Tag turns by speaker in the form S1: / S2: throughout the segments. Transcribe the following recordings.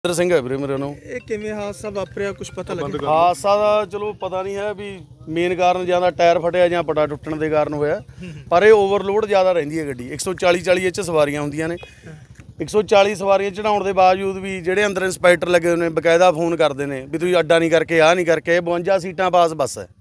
S1: ਮਨਿੰਦਰ ਸਿੰਘ ਹੈ ਵੀਰੇ ਮੇਰੇ ਨੂੰ।
S2: ਇਹ ਕਿਵੇਂ ਹਾਦਸਾ ਵਾਪਰਿਆ, ਕੁਝ ਪਤਾ ਲੱਗਿਆ?
S1: ਹਾਦਸਾ ਦਾ ਚਲੋ ਪਤਾ ਨਹੀਂ ਹੈ ਵੀ ਮੇਨ ਕਾਰਨ ਜਾਂ ਤਾਂ ਟਾਇਰ ਫਟਿਆ ਜਾਂ ਪਟਾ ਟੁੱਟਣ ਦੇ ਕਾਰਨ ਹੋਇਆ, ਪਰ ਇਹ ਓਵਰਲੋਡ ਜ਼ਿਆਦਾ ਰਹਿੰਦੀ ਹੈ ਗੱਡੀ। 140 ਇਹ 'ਚ ਸਵਾਰੀਆਂ ਹੁੰਦੀਆਂ ਨੇ। 140 ਸਵਾਰੀਆਂ ਚੜਾਉਣ ਦੇ ਬਾਵਜੂਦ ਵੀ ਜਿਹੜੇ ਅੰਦਰ ਇੰਸਪੈਕਟਰ ਲੱਗੇ ਹੋਏ ਨੇ ਬਕਾਇਦਾ ਫੋਨ ਕਰਦੇ ਨੇ ਵੀ ਤੁਸੀਂ ਅੱਡਾ ਨਹੀਂ ਕਰਕੇ ਆਹ ਨਹੀਂ ਕਰਕੇ। 52 ਸੀਟਾਂ ਪਾਸ ਬੱਸ ਹੈ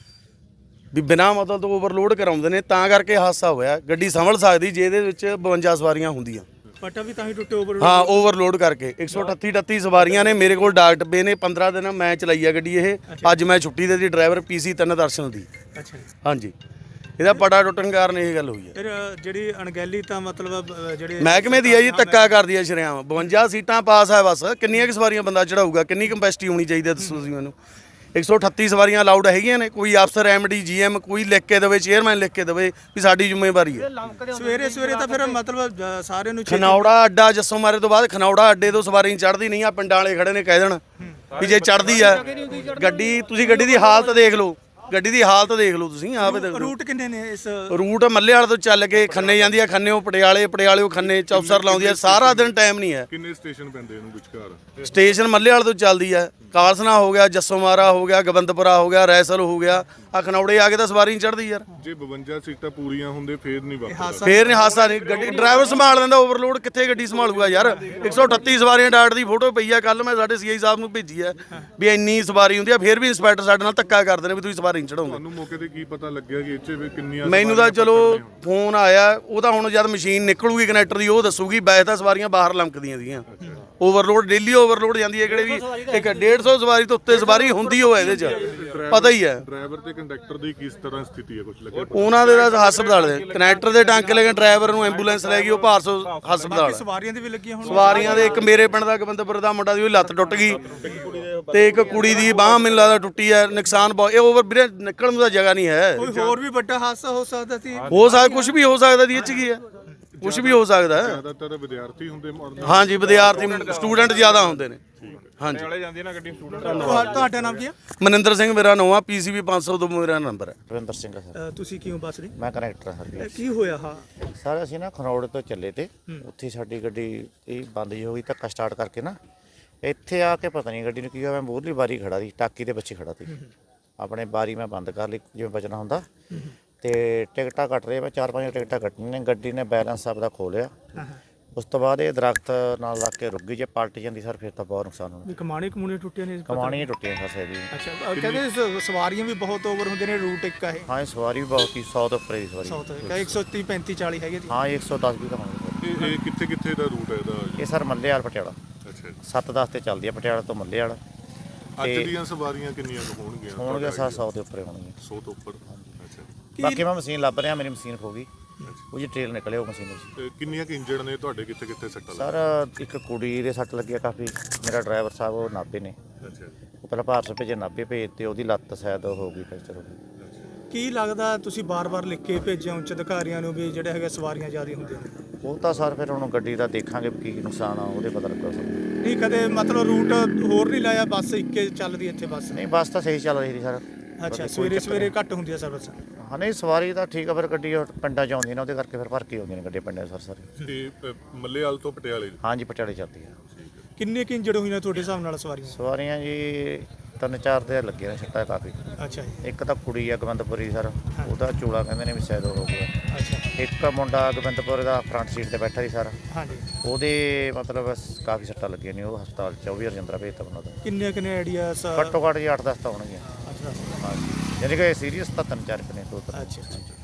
S1: ਵੀ ਬਿਨਾਂ ਮਤਲਬ ਤੋਂ ਓਵਰਲੋਡ ਕਰਾਉਂਦੇ ਨੇ, ਤਾਂ ਕਰਕੇ ਹਾਦਸਾ ਹੋਇਆ। ਗੱਡੀ ਸੰਭਲ ਸਕਦੀ ਜੇ ਇਹਦੇ ਵਿੱਚ 52 ਸਵਾਰੀਆਂ ਹੁੰਦੀਆਂ।
S2: ਪਟਾ ਵੀ ਤਾਂ ਹੀ ਟੁੱਟੇ ਓਵਰ।
S1: ਹਾਂ ਓਵਰਲੋਡ ਕਰਕੇ 138 ਸਵਾਰੀਆਂ ਨੇ। ਮੇਰੇ ਕੋਲ ਡਾਕ ਡੱਬੇ ਨੇ। 15 ਦਿਨ ਮੈਂ ਚਲਾਈ ਆ ਗੱਡੀ ਇਹ। ਅੱਜ ਮੈਂ ਛੁੱਟੀ ਦੇ ਦੀ ਡਰਾਈਵਰ PC 3 ਦਰਸ਼ਨ ਦੀ।
S2: ਅੱਛਾ
S1: ਹਾਂਜੀ, ਇਹਦਾ ਪਟਾ ਟੁੱਟਣ ਕਾਰਨ ਇਹ ਗੱਲ ਹੋਈ ਹੈ।
S2: ਫਿਰ ਜਿਹੜੀ ਅਣਗਹਿਲੀ ਤਾਂ ਮਤਲਬ ਜਿਹੜੇ
S1: ਮਹਿਕਮੇ ਦੀ ਹੈ ਜੀ, ਧੱਕਾ ਕਰਦੀ ਹੈ ਸ਼ਰੇਆਮ। 52 ਸੀਟਾਂ ਪਾਸ ਹੈ ਬੱਸ। ਕਿੰਨੀਆਂ ਕੁ ਸਵਾਰੀਆਂ ਬੰਦਾ ਚੜਾਊਗਾ? ਕਿੰਨੀ ਕੰਪੈਸਿਟੀ ਹੋਣੀ ਚਾਹੀਦੀ ਹੈ ਦੱਸੋ ਤੁਸੀਂ ਮੈਨੂੰ। 138 ਸਵਾਰੀਆਂ ਅਲਾਉਡ ਹੈਗੀਆਂ ਨੇ। ਕੋਈ ਅਫਸਰ MD GM ਕੋਈ ਲਿਖ ਕੇ ਦੇਵੇ, ਚੇਅਰਮੈਨ ਲਿਖ ਕੇ ਦੇਵੇ ਵੀ ਸਾਡੀ ਜ਼ਿੰਮੇਵਾਰੀ ਹੈ।
S2: ਸਵੇਰੇ ਤਾਂ ਫਿਰ ਮਤਲਬ ਸਾਰਿਆਂ ਨੂੰ
S1: ਖਨੌੜਾ ਅੱਡਾ ਜੱਸੋ ਮਾਰੇ ਤੋਂ ਬਾਅਦ ਖਨੌੜਾ ਅੱਡੇ ਤੋਂ ਸਵਾਰੀ ਚੜ੍ਹਦੀ ਨਹੀਂ ਆ। ਪਿੰਡਾਂ ਵਾਲੇ ਖੜੇ ਨੇ ਕਹਿ ਦੇਣ ਵੀ ਜੇ ਚੜ੍ਹਦੀ ਆ ਗੱਡੀ, ਤੁਸੀਂ ਗੱਡੀ ਦੀ ਹਾਲਤ ਦੇਖ ਲਓ। ਗੱਡੀ ਦੀ ਹਾਲਤ ਦੇਖ ਲਓ ਤੁਸੀਂ ਆਪੇ ਦੇਖ ਲਓ।
S2: ਰੂਟ ਕਿੰਨੇ ਨੇ ਇਸ?
S1: ਰੂਟ ਮੱਲੇ ਵਾਲੇ ਤੋਂ ਚੱਲ ਕੇ ਖੰਨੇ ਜਾਂਦੀ ਆ, ਖੰਨੇੋਂ ਪਟਿਆਲੇ ਖੰਨੇ ਚੌਪਸਰ ਲਾਉਂਦੀ ਆ। ਸਾਰਾ ਦਿਨ ਟਾਈਮ ਨਹੀਂ ਹੈ।
S3: ਕਿੰਨੇ ਸਟੇਸ਼ਨ ਪੈਂਦੇ ਇਹਨੂੰ ਵਿਚਕਾਰ?
S1: ਸਟੇਸ਼ਨ ਮੱਲੇ ਵਾਲੇ ਤੋਂ ਚੱਲਦੀ ਆ। ਕਾਲਸਨਾ ਹੋ ਗਿਆ, ਜੱਸੋ ਮਾਰਾ ਹੋ ਗਿਆ, ਗੋਬਿੰਦਪੁਰਾ ਹੋ ਗਿਆ, ਰੈਸਲ ਹੋ ਗਿਆ। ਆ ਖਨੌੜੇ ਆ ਕੇ ਤਾਂ ਸਵਾਰੀ ਨਹੀਂ ਚੜ੍ਹਦੀ ਯਾਰ।
S3: ਜੇ 52 ਸੀਟਾਂ ਪੂਰੀਆਂ ਹੁੰਦੇ ਫੇਰ ਨਹੀਂ ਵਾਪਰਦਾ।
S1: ਫੇਰ ਨਹੀਂ ਹਾਦਸਾ ਨਹੀਂ। ਗੱਡੀ ਡਰਾਈਵਰ ਸੰਭਾਲ ਲੈਂਦਾ। ਓਵਰਲੋਡ ਕਿੱਥੇ ਗੱਡੀ ਸੰਭਾਲੂਗਾ ਯਾਰ। 138 ਸਵਾਰੀਆਂ ਡਾਟ ਦੀ ਫੋਟੋ ਪਈ ਆ। ਕੱਲ ਮੈਂ ਸਾਡੇ CI ਸਾਹਿਬ ਨੂੰ ਭੇਜੀ ਆ ਵੀ ਇੰਨੀ ਸਵਾਰੀ ਹੁੰਦੀ ਆ, ਫੇਰ ਵੀ ਇੰਸਪੈਕਟਰ ਸਾਡੇ ਨਾਲ ਧੱਕਾ ਕਰਦੇ ਨੇ ਵੀ ਤੁਸੀਂ ਸਵਾਰੀ ਨਹੀਂ ਚੜਾਉਂਦੇ।
S3: ਤੁਹਾਨੂੰ ਮੌਕੇ ਤੇ ਕੀ ਪਤਾ ਲੱਗਿਆ ਕਿ ਇੱਥੇ ਵੀ ਕਿੰਨੀਆਂ?
S1: ਮੈਨੂੰ ਤਾਂ ਚਲੋ ਫੋਨ ਆਇਆ, ਉਹ ਤਾਂ ਹੁਣ ਜਦ ਮਸ਼ੀਨ ਨਿਕਲੂਗੀ ਕਨੈਕਟਰ ਦੀ ਉਹ ਦੱਸੂਗੀ। ਵੈਸੇ ਤਾਂ ਸਵਾਰੀਆਂ ਬਾਹਰ ਲੰਕਦੀਆਂ ਸੀਗੀਆਂ। ਓਵਰਲੋਡ ਡੇਲੀ ਓਵਰਲੋਡ ਜਾਂਦੀ ਹੈ। ਕਿਹੜੇ ਵੀ ਇੱਕ 150 ਸਵਾਰੀ ਤੋਂ ਉੱਤੇ ਸਵਾਰੀ ਹੁੰਦੀ ਹੋਵੇ ਇਹਦੇ 'ਚ ਪਤਾ ਹੀ ਹੈ।
S3: ਡਰਾਈਵਰ ਤੇ ਕੰਡਕਟਰ ਦੀ ਕਿਸ ਤਰ੍ਹਾਂ ਸਥਿਤੀ ਹੈ, ਕੁਝ ਲੱਗਿਆ?
S1: ਉਹਨਾਂ ਦੇ ਤਾਂ ਹਸਪਤਾਲ ਦੇ ਕਨੈਕਟਰ ਦੇ ਟਾਂਕੇ ਲੈ ਕੇ ਡਰਾਈਵਰ ਨੂੰ ਐਂਬੂਲੈਂਸ ਲੈ ਗਈ ਉਹ ਭਾਰਸੋ ਹਸਪਤਾਲ।
S2: ਸਵਾਰੀਆਂ ਦੇ ਵੀ ਲੱਗੀਆਂ ਹੁਣ?
S1: ਸਵਾਰੀਆਂ ਦੇ ਇੱਕ ਮੇਰੇ ਪਿੰਡ ਦਾ ਗੋਬਿੰਦਪੁਰ ਦਾ ਮੁੰਡਾ ਦੀ ਉਹ ਲੱਤ ਟੁੱਟ ਗਈ ਤੇ ਇੱਕ ਕੁੜੀ ਦੀ ਬਾਂਹ ਮੈਨੂੰ ਲੱਗਦਾ ਟੁੱਟੀ ਹੈ। ਨੁਕਸਾਨ ਬਹੁਤ। ਇਹ ਓਵਰ ਵੀਰੇ ਨਿਕਲਣ ਨੂੰ ਤਾਂ ਜਗ੍ਹਾ ਨਹੀਂ ਹੈ।
S2: ਕੋਈ ਹੋਰ ਵੀ ਵੱਡਾ ਹਾਦਸਾ ਹੋ ਸਕਦਾ ਸੀ?
S1: ਹੋ ਸਕਦਾ, ਕੁਝ ਵੀ ਹੋ ਸਕਦਾ ਦੀ ਇਹ 'ਚ ਕੀ ਹੈ, ਕੁਝ ਵੀ ਹੋ ਸਕਦਾ ਹੈ।
S3: ਜ਼ਿਆਦਾਤਰ ਵਿਦਿਆਰਥੀ ਹੁੰਦੇ
S1: ਹਾਂਜੀ, ਵਿਦਿਆਰਥੀ ਸਟੂਡੈਂਟ ਜ਼ਿਆਦਾ ਹੁੰਦੇ ਨੇ। ਹਾਂਜੀ।
S2: ਤੁਹਾਡਾ ਨਾਮ ਕੀ ਹੈ?
S1: ਮਨਿੰਦਰ ਸਿੰਘ ਮੇਰਾ ਨਾਮ ਆ। PCB 500 ਤੋਂ ਮੇਰਾ ਨੰਬਰ ਹੈ।
S4: ਰਵਿੰਦਰ ਸਿੰਘ ਸਰ।
S2: ਤੁਸੀਂ ਕਿਉਂ ਬੱਸ ਰਹੇ?
S4: ਮੈਂ ਕਨੈਕਟਰ ਹਾਂ ਸਰ।
S2: ਕੀ ਹੋਇਆ? ਹਾਂ
S4: ਸਰ ਅਸੀਂ ਨਾ ਖਰੋੜ ਤੋਂ ਚੱਲੇ ਤੇ ਉੱਥੇ ਸਾਡੀ ਗੱਡੀ ਇਹ ਬੰਦ ਜਿਹੀ ਹੋ ਗਈ। ਧੱਕਾ ਸਟਾਰਟ ਕਰਕੇ ਨਾ ਇੱਥੇ ਆ ਕੇ ਪਤਾ ਨਹੀਂ ਗੱਡੀ ਨੂੰ ਕੀ ਹੋਇਆ। ਮੈਂ ਮੂਹਰਲੀ ਬਾਰੀ ਖੜਾ ਸੀ, ਟਾਕੀ ਦੇ ਪਿੱਛੇ ਖੜਾ ਸੀ। ਆਪਣੇ ਬਾਰੀ ਮੈਂ ਬੰਦ ਕਰ ਲਈ ਜਿਵੇਂ ਬਚਣਾ ਹੁੰਦਾ ਤੇ ਟਿਕਟਾਂ ਕੱਟ ਰਹੇ। ਮੈਂ 4-5 ਟਿਕਟਾਂ ਕੱਟਣੀਆਂ ਨੇ। ਗੱਡੀ ਨੇ ਬੈਲੈਂਸ ਆਪਦਾ ਖੋ ਲਿਆ। ਉਸ ਤੋਂ ਬਾਅਦ ਇਹ ਦਰਖਤ ਨਾਲ ਲੱਗ ਕੇ ਰੁਕ ਗਈ। ਜੇ ਪਲਟ ਜਾਂਦੀ ਸਰ ਫਿਰ ਤਾਂ ਬਹੁਤ ਨੁਕਸਾਨ ਹੋਣਾ।
S2: ਕਮਾਣੀ ਟੁੱਟੀਆਂ ਨੇ?
S4: ਕਮਾਣੀਆਂ ਟੁੱਟੀਆਂ ਸਰ ਸੈਦੀ।
S2: ਅੱਛਾ, ਕਹਿੰਦੇ ਸਵਾਰੀਆਂ ਵੀ ਬਹੁਤ ਓਵਰ ਹੁੰਦੇ ਨੇ। ਰੂਟ ਇੱਕ ਹੈ?
S4: ਹਾਂ, ਸਵਾਰੀ ਵੀ ਬਹੁਤ ਹੀ 100 ਤੋਂ ਉੱਪਰ ਦੀ ਸਵਾਰੀ।
S2: 130 35 40 ਹੈਗੇ?
S4: ਹਾਂ, 110 ਵੀ ਤਾਂ ਹੋਣੀ ਸਰ।
S3: ਇਹ ਕਿੱਥੇ ਦਾ ਰੂਟ ਹੈ ਇਹਦਾ?
S4: ਇਹ ਸਰ ਮੱਲੇ ਵਾਲ ਪਟਿਆਲਾ।
S3: ਅੱਛਾ,
S4: 7-10 ਤੇ ਚੱਲਦੀ ਆ ਪਟਿਆਲਾ ਤੋਂ ਮੱਲੇ ਵਾਲਾ।
S3: ਅੱਜ ਦੀਆਂ ਸਵਾਰੀਆਂ ਕਿੰਨੀਆਂ ਹੋਣਗੀਆਂ?
S4: ਹੋਣਗੇ 100 ਦੇ ਉੱਪਰ ਹੋਣਗੀਆਂ।
S3: 100 ਤੋਂ ਉੱਪਰ। ਅੱਛਾ,
S4: ਬਾਕੀ ਮੈਂ ਮਸ਼ੀਨ ਲੱਭ ਰਿਹਾ। ਮੇਰੀ ਮਸ਼ੀਨ ਖੋ ਗਈ। ਉਹ ਜੀ ਟ੍ਰੇਲ ਨਿਕਲੇ ਉਹ ਮਸ਼ੀਨ ਵਿੱਚ।
S3: ਤੇ ਕਿੰਨੀਆਂ ਕਿ ਇੰਜਣ ਨੇ ਤੁਹਾਡੇ? ਕਿੱਥੇ ਸੱਟਾਂ
S4: ਸਰ ਇੱਕ ਕੁੜੀ ਦੇ ਸੱਟ ਲੱਗਿਆ ਕਾਫੀ। ਮੇਰਾ ਡਰਾਈਵਰ ਸਾਹਿਬ ਉਹ ਨਾਭੇ ਨੇ।
S3: ਅੱਛਾ,
S4: ਉਹ ਪਹਿਲਾਂ ਭਾਰਤ ਭੇਜੇ, ਨਾਭੇ ਭੇਜ ਤੇ ਉਹਦੀ ਲੱਤ ਸ਼ਾਇਦ ਹੋ ਗਈ ਫ੍ਰੈਕਚਰ ਹੋ ਗਈ।
S2: ਕੀ ਲੱਗਦਾ ਤੁਸੀਂ ਬਾਰ-ਬਾਰ ਲਿਖ ਕੇ ਭੇਜਿਆ ਉੱਚ ਅਧਿਕਾਰੀਆਂ ਨੂੰ ਵੀ ਜਿਹੜੇ ਹੈਗੇ ਸਵਾਰੀਆਂ ਜ਼ਿਆਦਾ ਹੁੰਦੀਆਂ ਨੇ?
S4: ਉਹ ਤਾਂ ਸਰ ਫਿਰ ਹੁਣ ਗੱਡੀ ਦਾ ਦੇਖਾਂਗੇ ਕੀ ਨੁਕਸਾਨ ਆ, ਉਹਦੇ ਪਤਾ ਲੱਗਾ ਸਰ।
S2: ਨਹੀਂ ਕਦੇ ਮਤਲਬ ਰੂਟ ਹੋਰ ਨਹੀਂ ਲਾਇਆ? ਬੱਸ ਇੱਕੇ ਚੱਲਦੀ ਇੱਥੇ ਬੱਸ?
S4: ਨਹੀਂ, ਬੱਸ ਤਾਂ ਸਹੀ ਚੱਲ ਰਹੀ ਸੀ ਸਰ।
S2: ਅੱਛਾ, ਸਵੇਰੇ ਘੱਟ ਹੁੰਦੀ ਹੈ ਸਰਵਿਸ?
S4: ਹਾਂ, ਨਹੀਂ ਸਵਾਰੀ ਤਾਂ ਠੀਕ ਆ। ਫਿਰ ਗੱਡੀ ਉਹ ਪਿੰਡਾਂ 'ਚ ਆਉਂਦੀ ਨੇ, ਉਹਦੇ ਕਰਕੇ ਫਿਰ ਭਰ ਕੇ ਆਉਂਦੀਆਂ ਨੇ ਗੱਡੀਆਂ ਪਿੰਡਾਂ 'ਚ ਸਰ ਸਾਰੇ।
S3: ਤੇ ਮੱਲੇਵਾਲ ਤੋਂ ਪਟਿਆਲੇ?
S4: ਹਾਂਜੀ, ਪਟਿਆਲੇ ਚੱਲਦੀ ਆ।
S2: ਕਿੰਨੇ ਕਿ ਇੰਜਰਡ ਹੋਈਆਂ ਤੁਹਾਡੇ ਹਿਸਾਬ ਨਾਲ ਸਵਾਰੀਆਂ?
S4: ਸਵਾਰੀਆਂ ਜੀ 3-4 ਦੇ ਲੱਗੇ ਨੇ ਸੱਟਾਂ ਕਾਫੀ।
S2: ਅੱਛਾ ਜੀ।
S4: ਇੱਕ ਤਾਂ ਕੁੜੀ ਆ ਗੋਬਿੰਦਪੁਰੀ ਸਰ, ਉਹਦਾ ਚੂਲਾ ਕਹਿੰਦੇ ਨੇ ਵੀ ਸ਼ਾਇਦ ਹੋ ਗਿਆ।
S2: ਅੱਛਾ।
S4: ਇੱਕ ਮੁੰਡਾ ਗੋਬਿੰਦਪੁਰ ਦਾ ਫਰੰਟ ਸੀਟ ਤੇ ਬੈਠਾ ਸੀ ਸਰ।
S2: ਹਾਂਜੀ।
S4: ਉਹਦੇ ਮਤਲਬ ਕਾਫੀ ਸੱਟਾਂ ਲੱਗੀਆਂ ਨੇ। ਉਹ ਹਸਪਤਾਲ 'ਚ ਉਹ ਵੀ ਰਜਿੰਦਰਾ ਭੇਜਤਾ ਉਹਨਾਂ ਦਾ।
S2: ਕਿੰਨੇ ਆਈਡੀਆ?
S4: ਘੱਟੋ ਘੱਟ ਜੀ 8-10 ਤਾਂ ਹੋਣਗੀਆਂ।
S2: ਅੱਛਾ।
S4: ਹਾਂਜੀ, ਯਾਨੀ ਕਿ ਸੀਰੀਅਸ ਤਾਂ 3-4 ਨੇ।
S2: ਅੱਛਾ।